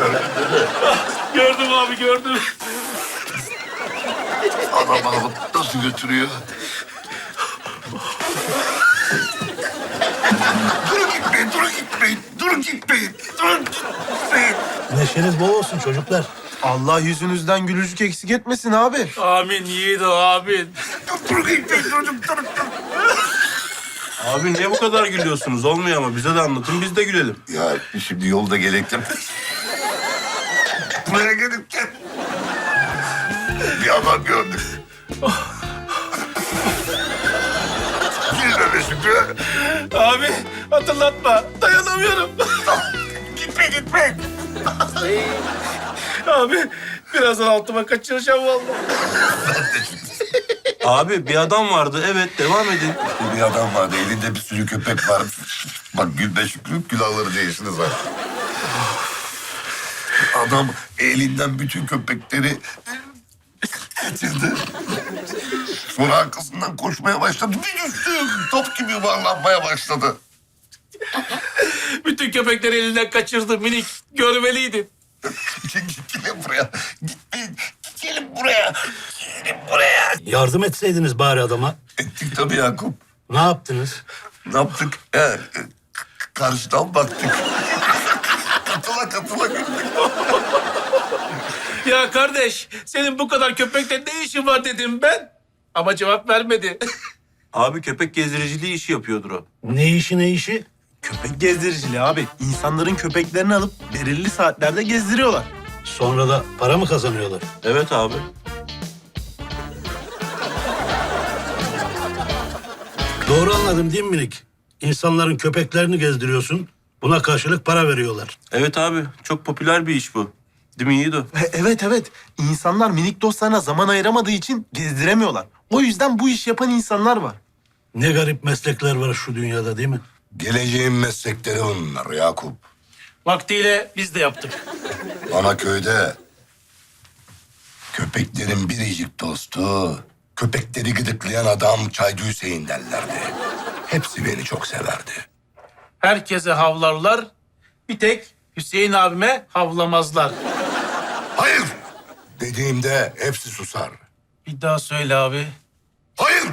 Gördüm abi, gördüm. Adam alıp nasıl götürüyor? Durun gitmeyin, durun gitmeyin, durun gitmeyin, durun gitmeyin. Neşeniz bol olsun çocuklar. Allah yüzünüzden gülücük eksik etmesin abi. Amin yiğido, amin. Durun gitmeyin, durun. Abi niye bu kadar gülüyorsunuz? Olmuyor ama bize de anlatın, biz de gülelim. Ya şimdi yolda gelirken... Buraya gelirken... Bir adam gördük. Gülmeme Şükrü. Abi hatırlatma, dayanamıyorum. Gitme. Abi birazdan altıma kaçıracağım vallahi. Abi bir adam vardı, evet devam edin. Bir adam vardı, elinde bir sürü köpek var. Bak Gülbe Şükrü, külahları değiştiniz ha. Adam elinden bütün köpekleri getirdi. Sonra arkasından koşmaya başladı. Bir düştü, top gibi yuvarlanmaya başladı. Bütün köpekleri elinden kaçırdı minik. Görmeliydin. Gelin buraya. Gitmeyin. Gelin buraya. Gelin buraya. Yardım etseydiniz bari adama. Ettik tabii Yakup. Ne yaptınız? Ne yaptık? Karşıdan baktık. katıla güldük. Ya kardeş, senin bu kadar köpekle ne işin var dedim ben. Ama cevap vermedi. Abi köpek gezdiriciliği işi yapıyordur o. Ne işi? Köpek gezdiriciliği abi. İnsanların köpeklerini alıp belirli saatlerde gezdiriyorlar. Sonra da para mı kazanıyorlar? Evet abi. Doğru anladım değil mi minik? İnsanların köpeklerini gezdiriyorsun. Buna karşılık para veriyorlar. Evet abi, çok popüler bir iş bu. Değil mi Yiğido? Evet. İnsanlar minik dostlarına zaman ayıramadığı için gezdiremiyorlar. O yüzden bu iş yapan insanlar var. Ne garip meslekler var şu dünyada değil mi? Geleceğin meslekleri bunlar Yakup. Vaktiyle biz de yaptık. Ana köyde köpeklerin biricik dostu, köpekleri gıdıklayan adam Çaycı Hüseyin derlerdi. Hepsi beni çok severdi. Herkese havlarlar. Bir tek Hüseyin abime havlamazlar. Hayır! Dediğimde hepsi susar. Bir daha söyle abi. Hayır!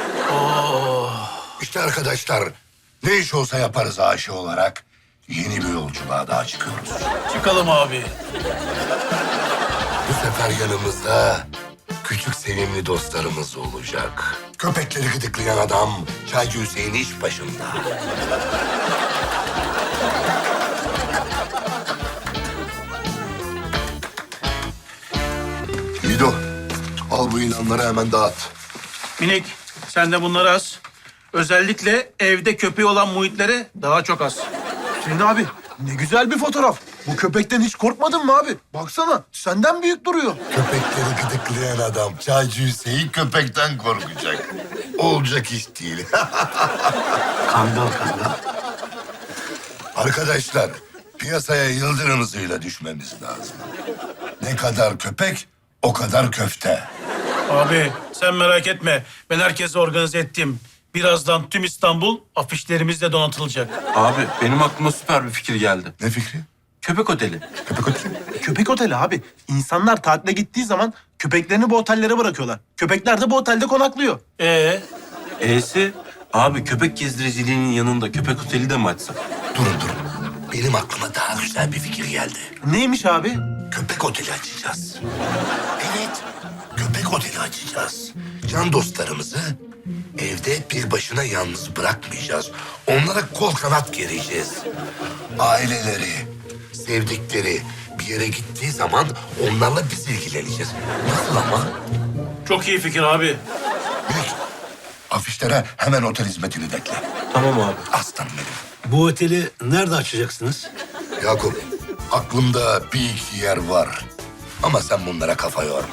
İşte arkadaşlar, ne iş olsa yaparız aşı olarak. Yeni bir yolculuğa daha çıkıyoruz. Çıkalım abi. Bu sefer yanımızda küçük sevimli dostlarımız olacak. Köpekleri gıdıklayan adam Çaycı Hüseyin iş başında. Yiğido, al bu ilanları hemen dağıt. Minik, sen de bunları az. Özellikle evde köpeği olan muhitlere daha çok az. Hüseyin abi ne güzel bir fotoğraf. Bu köpekten hiç korkmadın mı abi? Baksana senden büyük duruyor. Köpekleri gıdıklayan adam Çaycı Hüseyin köpekten korkacak. Olacak iş değil. Kangal. Arkadaşlar, piyasaya yıldırım hızıyla düşmemiz lazım. Ne kadar köpek, o kadar köfte. Abi sen merak etme. Ben herkesi organize ettim. Birazdan tüm İstanbul afişlerimizle donatılacak. Abi benim aklıma süper bir fikir geldi. Ne fikri? Köpek oteli. Köpek oteli. Köpek oteli abi. İnsanlar tatile gittiği zaman köpeklerini bu otellere bırakıyorlar. Köpekler de bu otelde konaklıyor. E'si abi köpek gezdiriciliğinin yanında köpek oteli de mi açsak? Durun. Benim aklıma daha güzel bir fikir geldi. Neymiş abi? Köpek oteli açacağız. Evet, köpek oteli açacağız. Can dostlarımızı evde bir başına yalnız bırakmayacağız. Onlara kol kanat gereceğiz. Aileleri, sevdikleri bir yere gittiği zaman onlarla biz ilgileneceğiz. Nasıl ama? Çok iyi fikir abi. Minik, afişlere hemen otel hizmetini bekle. Tamam abi. Aslanım benim. Bu oteli nerede açacaksınız? Yakup, aklımda bir iki yer var. Ama sen bunlara kafa yorma.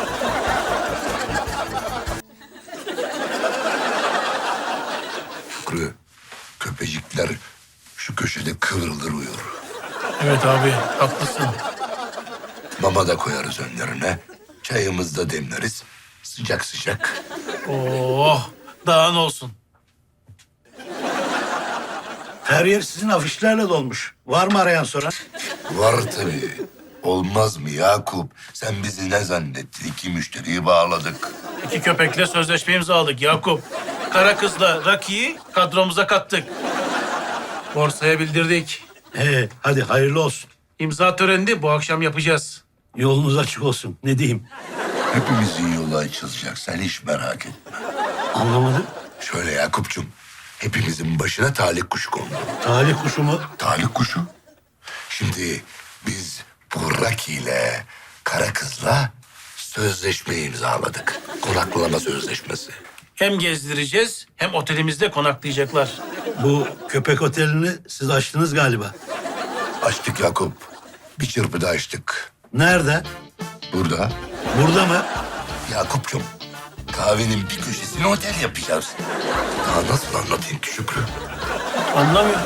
Şükrü, köpecikler şu köşede kıvrılır uyur. Evet abi haklısın. Mama da koyarız önlerine. Çayımızı da demleriz. Sıcak sıcak. Oh daha ne olsun. Her yer sizin afişlerle dolmuş. Var mı arayan soran? Var tabii. Olmaz mı Yakup? Sen bizi ne zannettin? 2 müşteriyi bağladık. 2 köpekle sözleşme imzaladık Yakup. Kara kızla Rocky'yi kadromuza kattık. Borsaya bildirdik. Hadi hayırlı olsun. İmza törenini bu akşam yapacağız. Yolunuz açık olsun. Ne diyeyim? Hepimizin yolu açılacak. Sen hiç merak etme. Anlamadım. Şöyle Yakup'cum. Hepimizin başına talih kuşu kondu. Talih kuşu mu? Talih kuşu? Şimdi biz bu Rocky ile Kara Kız'la sözleşme imzaladık. Konaklama sözleşmesi. Hem gezdireceğiz hem otelimizde konaklayacaklar. Bu köpek otelini siz açtınız galiba. Açtık Yakup. Bir çırpıda açtık. Nerede? Burada Burada mı? Yakup'cum kahvenin bir köşesine otel yapacağız. Daha nasıl anlatayım ki Şükrü? Anlamıyorum.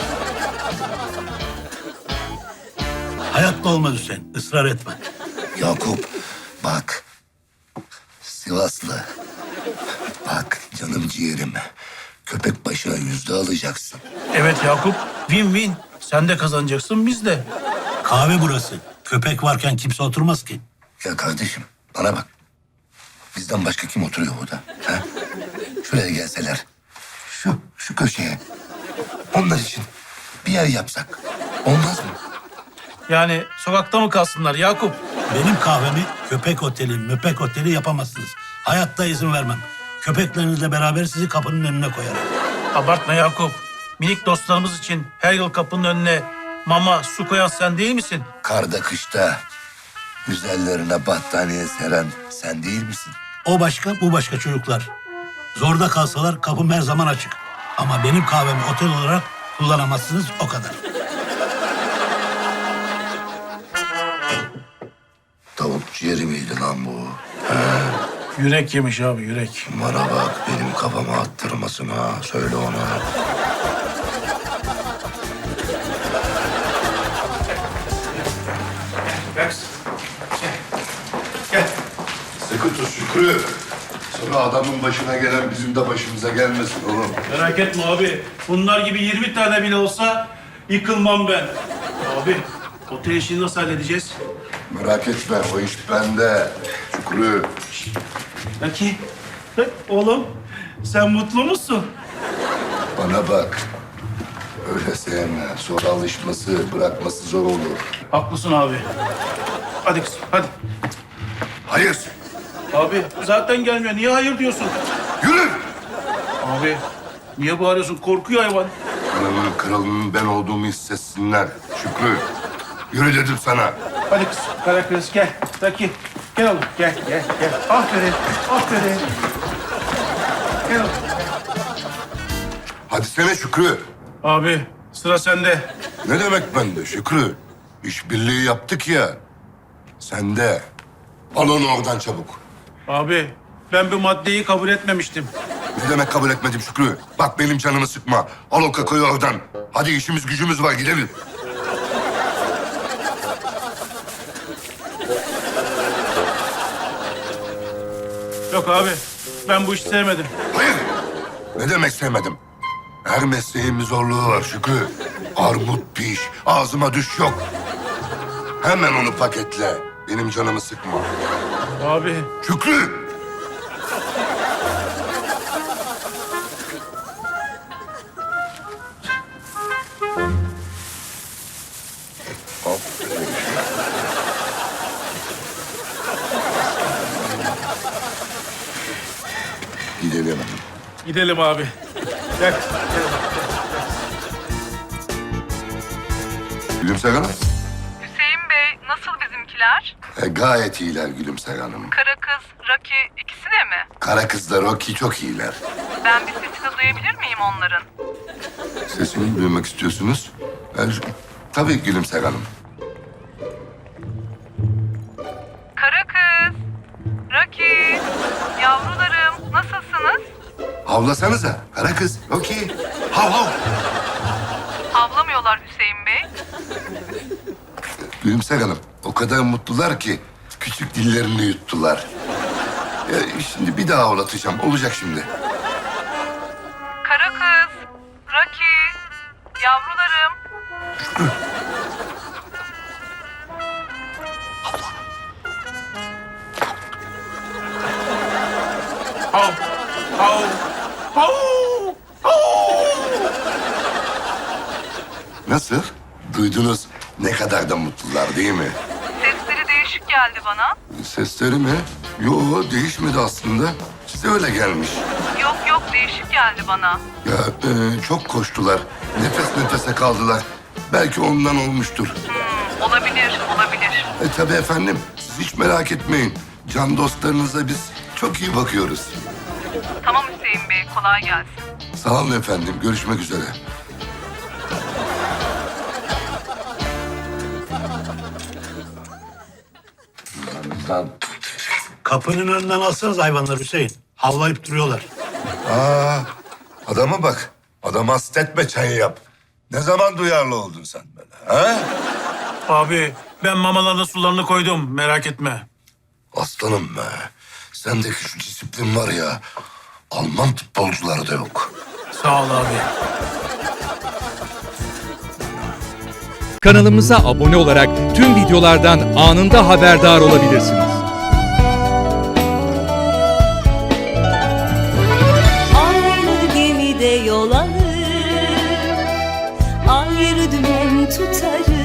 Hayatta olmaz Hüseyin. Israr etme. Yakup bak Sivaslı. Bak canım ciğerim. Köpek başına 100 alacaksın. Evet Yakup, win-win. Sen de kazanacaksın, biz de. Kahve burası. Köpek varken kimse oturmaz ki. Ya kardeşim bana bak. Bizden başka kim oturuyor burada? Ha? Şuraya gelseler. Şu köşeye. Onlar için bir yer yapsak. Olmaz mı? Yani sokakta mı kalsınlar Yakup? Benim kahvemi köpek oteli, möpek oteli yapamazsınız. Hayatta izin vermem. Köpeklerinizle beraber sizi kapının önüne koyarım. Abartma Yakup. Minik dostlarımız için her yıl kapının önüne mama, su koyan sen değil misin? Karda kışta güzellerine battaniye seren sen değil misin? O başka, bu başka çocuklar. Zorda kalsalar kapım her zaman açık. Ama benim kahvemi otel olarak kullanamazsınız, o kadar. Tavuk ciğeri miydi lan bu? Yürek yemiş abi, yürek. Bana bak benim kafama attırmasın ha. Söyle ona. Gel. Sıkı tut Şükrü. Sonra adamın başına gelen bizim de başımıza gelmesin oğlum. Merak etme abi. Bunlar gibi 20 tane bile olsa yıkılmam ben. Abi, otel işini nasıl halledeceğiz? Merak etme o iş bende. Şükrü. Peki. Oğlum, sen mutlu musun? Bana bak. Öyle sevme. Sonra alışması, bırakması zor olur. Haklısın abi. Hadi kızım, hadi. Hayır. Abi, zaten gelmiyor. Niye hayır diyorsun? Yürü. Abi, niye bağırıyorsun? Korkuyor hayvan. Anamın kralının ben olduğumu hissetsinler. Şükrü. Yürü dedim sana. Hadi kız, kara kız gel. Taki, gel oğlum. Gel. Aferin, aferin. Gel oğlum. Hadi sene Şükrü. Abi, sıra sende. Ne demek bende Şükrü? İşbirliği yaptık ya. Sende. Al onu oradan çabuk. Abi, ben bu maddeyi kabul etmemiştim. Ne demek kabul etmedim Şükrü? Bak benim canımı sıkma. Al o kakayı oradan. Hadi işimiz gücümüz var gidelim. Yok abi, ben bu işi sevmedim. Hayır. Ne demek sevmedim? Her mesleğin bir zorluğu var Şükrü. Armut piş, ağzıma düş yok. Hemen onu paketle. Benim canımı sıkma. Abi, Şükrü! Aferin. Gidelim. gidelim abi. Gel. Gülümser Hanım. Hüseyin Bey, nasıl bizimkiler? Gayet iyiler Gülümser Hanım. Kara kız, Rocky ikisi de mi? Kara kızlar Rocky çok iyiler. Ben bir sesini duyabilir miyim onların? Sesini duymak istiyorsunuz? Tabii Gülümser Hanım. Kara kız, Rocky, yavrularım nasılsınız? Havlasanıza. Kara kız. Rocky. Hav hav. Havlamıyorlar Hüseyin Bey. Gülümser Hanım. O kadar mutlular ki küçük dillerini yuttular. Şimdi bir daha havlatacağım. Olacak şimdi. Kara kız, Rocky, yavrularım. Nasıl? Duydunuz ne kadar da mutlular değil mi? Sesleri değişik geldi bana. Sesleri mi? Yo, değişmedi aslında. Size öyle gelmiş. Yok değişik geldi bana. Ya çok koştular. Nefes nefese kaldılar. Belki ondan olmuştur. Olabilir. Tabii efendim. Siz hiç merak etmeyin. Can dostlarınıza biz çok iyi bakıyoruz. Tamam Hüseyin Bey, kolay gelsin. Sağ olun efendim. Görüşmek üzere. Kapının önünden alsanız hayvanlar Hüseyin. Havlayıp duruyorlar. Aa, adama bak. Adama hastetme, çayı yap. Ne zaman duyarlı oldun sen böyle, ha? Abi ben mamalarına sularını koydum, merak etme. Aslanım be. Sendeki şu disiplin var ya, Alman futbolcularda yok. Sağ ol abi. Kanalımıza abone olarak tüm videolardan anında haberdar olabilirsiniz. Aynı gemide yol alır, ayrı dümen tutarız.